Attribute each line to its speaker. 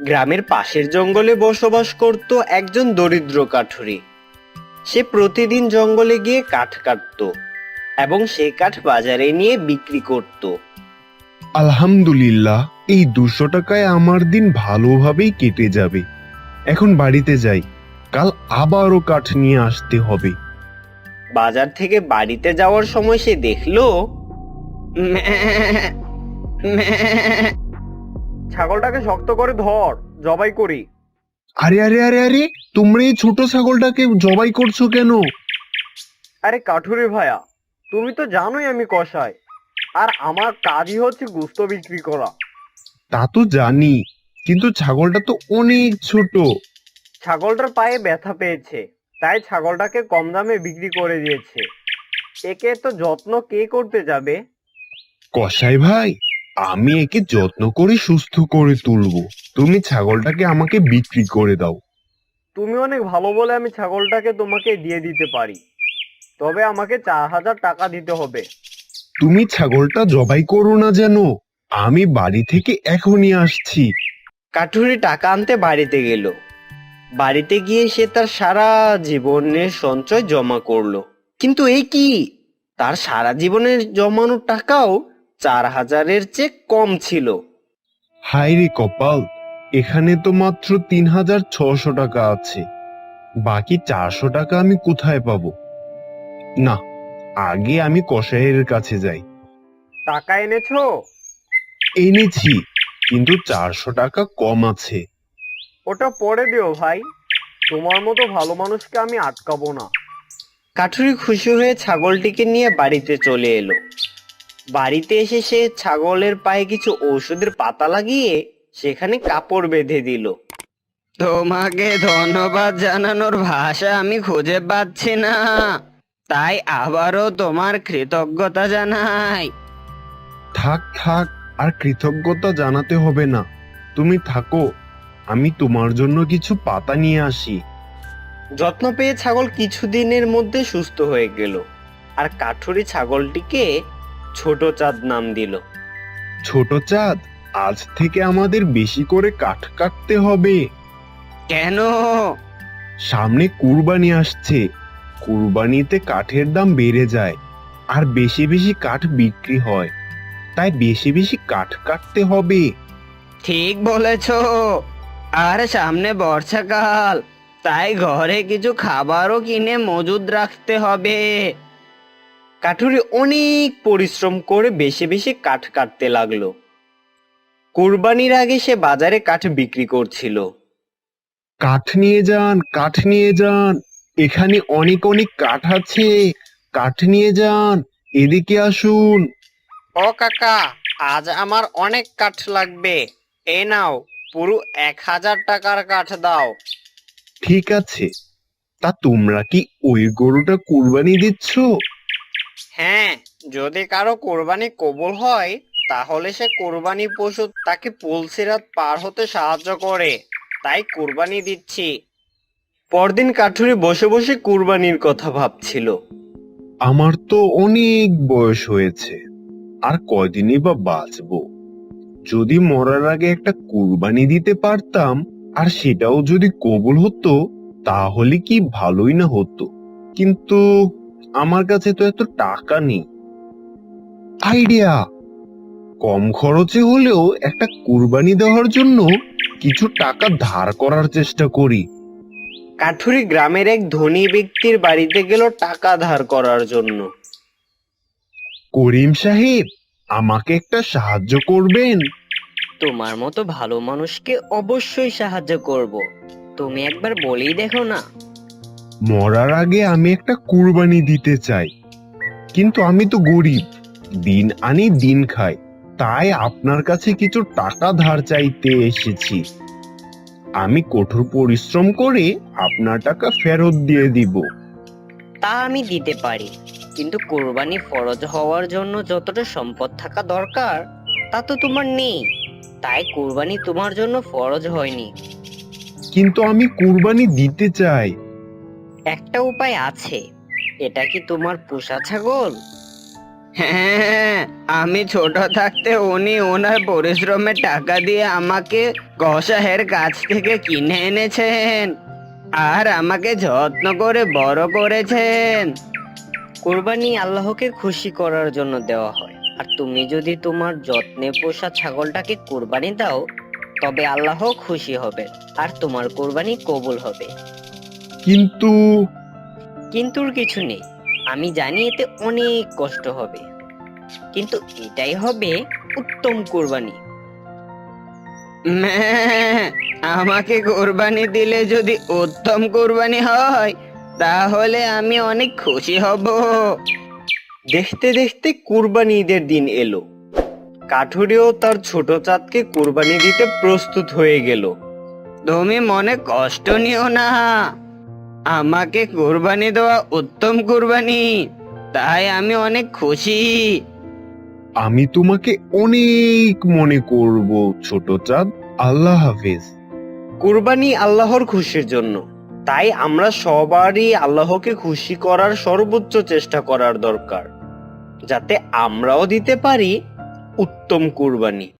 Speaker 1: গ্রামের পাশের জঙ্গলে বসবাস করত একজন দরিদ্র কাঠুরে। সে প্রতিদিন জঙ্গলে গিয়ে কাঠ কাটতো এবং সেই কাঠ বাজারে নিয়ে বিক্রি করত।
Speaker 2: আলহামদুলিল্লাহ, এই 200 টাকায় আমার দিন ভালোভাবেই কেটে যাবে। এখন বাড়িতে যাই, কাল আবারও কাঠ নিয়ে আসতে হবে।
Speaker 1: বাজার থেকে বাড়িতে যাওয়ার সময় সে দেখলো ছাগলটাকে শক্ত করে ধর, জবাই করি।
Speaker 2: আরে আরে আরে আরে, তোমরা এই ছোট ছাগলটাকে জবাই করছো কেন?
Speaker 1: আরে কাঠুরে ভাইয়া, তুমি তো জানোই আমি কসাই, আর আমার কাজই হচ্ছে গোশত বিক্রি করা।
Speaker 2: তা তো জানি, কিন্তু ছাগলটা তো অনেক ছোট।
Speaker 1: ছাগলটার পায়ে ব্যথা পেয়েছে, তাই ছাগলটাকে কম দামে বিক্রি করে দিয়েছে। একে তো যত্ন কে করতে যাবে?
Speaker 2: কসাই ভাই, আমি একে যত্ন করে সুস্থ করে তুলবো। তুমি ছাগলটাকে আমাকে বিক্রি করে দাও।
Speaker 1: তুমি অনেক ভালো বলে আমি ছাগলটাকে তোমাকে দিয়ে দিতে পারি, তবে আমাকে 4,000 টাকা দিতে হবে।
Speaker 2: তুমি ছাগলটা জবাই করো না যেন, আমি বাড়ি থেকে এখনই আসছি।
Speaker 1: কাঠুরি টাকা আনতে বাড়িতে গেল। বাড়িতে গিয়ে সে তার সারা জীবনের সঞ্চয় জমা করলো, কিন্তু এই কি, তার সারা জীবনের জমানো টাকাও 4,000-এর চেয়ে কম ছিল।
Speaker 2: হায় রে কপাল, এখানে তো মাত্র 3,600 টাকা আছে। বাকি 400 টাকা আমি কোথায় পাবো? না, আগে আমি কসাইয়ের কাছে যাই।
Speaker 1: টাকা এনেছো?
Speaker 2: এনেছি, কিন্তু 400 টাকা কম আছে।
Speaker 1: ওটা পরে দিও ভাই, তোমার মতো ভালো মানুষকে আমি আটকাবো না। কাঠুরি খুশি হয়ে ছাগলটিকে নিয়ে বাড়িতে চলে এলো। বাড়িতে এসে সে ছাগলের পায়ে কিছু ঔষধের পাতা লাগিয়ে সেখানে কাপড় বেঁধে দিল। তোমাকে ধন্যবাদ জানানোর ভাষা আমি খুঁজে পাচ্ছি না, তাই আবারও তোমার কৃতজ্ঞতা জানাই।
Speaker 2: থাক থাক, আর কৃতজ্ঞতা জানাতে হবে না। তুমি থাকো, আমি তোমার জন্য কিছু পাতা নিয়ে আসি।
Speaker 1: যত্ন পেয়ে ছাগল কিছুদিনের মধ্যে সুস্থ হয়ে গেল, আর কাঠুরি ছাগলটিকে ছোট চাঁদ নাম দিল।
Speaker 2: ছোট চাঁদ, আজ থেকে আমাদের বেশি করে কাঠ কাটতে হবে।
Speaker 1: কেন?
Speaker 2: সামনে কুরবানি আসছে, কুরবানিতে কাঠের দাম বেড়ে যায়, আর বেশি বেশি কাঠ বিক্রি হয়, তাই বেশি বেশি কাঠ কাটতে হবে।
Speaker 1: ঠিক বলেছ, আর সামনে বর্ষাকাল, তাই ঘরে কিছু খাবারও কিনে মজুদ রাখতে হবে। কাঠুরি অনেক পরিশ্রম করে বেশি বেশি কাঠ কাটতে লাগলো। কুরবানির আগে সে বাজারে কাঠ বিক্রি করছিল।
Speaker 2: কাঠ নিয়ে যান, কাঠ নিয়ে যান, এখানে অনেক অনেক কাঠ আছে, কাঠ নিয়ে যান, এদিকে আসুন।
Speaker 1: ও কাকা, আজ আমার অনেক কাঠ লাগবে, এই নাও, পুরো 1,000 টাকার কাঠ দাও।
Speaker 2: ঠিক আছে, তা তোমরা কি ওই গরুটা কুরবানি দিচ্ছ?
Speaker 1: হ্যাঁ, যদি কারো কোরবানি কবুল হয়, তাহলে সে কোরবানি পশু তাকে পুলসিরাত পার হতে সাহায্য করে, তাই কোরবানি দিচ্ছি। পরদিন কাঠুরি বসে বসে কুরবানির কথা ভাবছিল।
Speaker 2: আমার তো অনেক বয়স হয়েছে, আর কয়দিনই বা বাঁচবো। যদি মরার আগে একটা কুরবানি দিতে পারতাম, আর সেটাও যদি কবুল হতো, তাহলে কি ভালোই না হতো। কিন্তু আমার কাছে তো এত টাকা নেই। আইডিয়া! কম খরচে হলেও একটা কুরবানি দেওয়ার জন্য কিছু টাকা ধার করার চেষ্টা করি।
Speaker 1: কাঠুরি গ্রামের এক ধনী ব্যক্তির বাড়িতে গেল টাকা ধার করার জন্য।
Speaker 2: করিম সাহেব, আমাকে একটা সাহায্য করবেন?
Speaker 1: তোমার মতো ভালো মানুষকে অবশ্যই সাহায্য করব, তুমি একবার বলেই দেখো না।
Speaker 2: মরার আগে আমি একটা কুরবানি দিতে চাই, কিন্তু আমি তো গরিব, দিন আনি দিন খাই, তাই আপনার কাছে কিছু টাকা ধার চাইতে এসেছি। আমি কঠোর পরিশ্রম করে আপনার টাকা ফেরত দিয়ে দিব।
Speaker 1: তা আমি দিতে পারি, কিন্তু কোরবানি ফরজ হওয়ার জন্য যতটা সম্পদ থাকা দরকার তা তো তোমার নেই, তাই কোরবানি তোমার জন্য ফরজ হয়নি।
Speaker 2: কিন্তু আমি কুরবানি দিতে চাই।
Speaker 1: একটা উপায় আছে, এটা কি তোমার পোষা ছাগল? হ্যাঁ, আমি ছোট থাকতে উনি ওনার পরিশ্রমের টাকা দিয়ে আমাকে কসাহের কাছ থেকে কিনে এনেছেন আর আমাকে যত্ন করে বড় করেছেন। কুরবানি আল্লাহকে খুশি করার জন্য দেওয়া হয়, আর তুমি যদি তোমার যত্নে পোষা ছাগলটাকে কুরবানি দাও তবে আল্লাহ খুশি হবে আর তোমার কুরবানি কবুল হবে।
Speaker 2: কিন্তু
Speaker 1: কিন্তুর কিছু নেই, আমি জানি এতে অনেক কষ্ট হবে, কিন্তু এটাই হবে উত্তম কুরবানি। আমাকে কুরবানি দিলে যদি উত্তম কুরবানি হয় তাহলে আমি অনেক খুশি হব। দেখতে দেখতে কুরবানি ঈদের দিন এলো। কাঠুরিও তার ছোট চাঁদকে কুরবানি দিতে প্রস্তুত হয়ে গেল। তুমি মনে কষ্ট নিও না, আমাকে কুরবানি দেওয়া উত্তম কুরবানি, তাই আমি অনেক খুশি।
Speaker 2: আমি তোমাকে অনেক মনে করব ছোট চাঁদ। আল্লাহ হাফেজ। কুরবানি
Speaker 1: আল্লাহর খুশির জন্য, তাই আমরা সবারই আল্লাহকে খুশি করার সর্বোচ্চ চেষ্টা করার দরকার, যাতে আমরাও দিতে পারি উত্তম কুরবানি।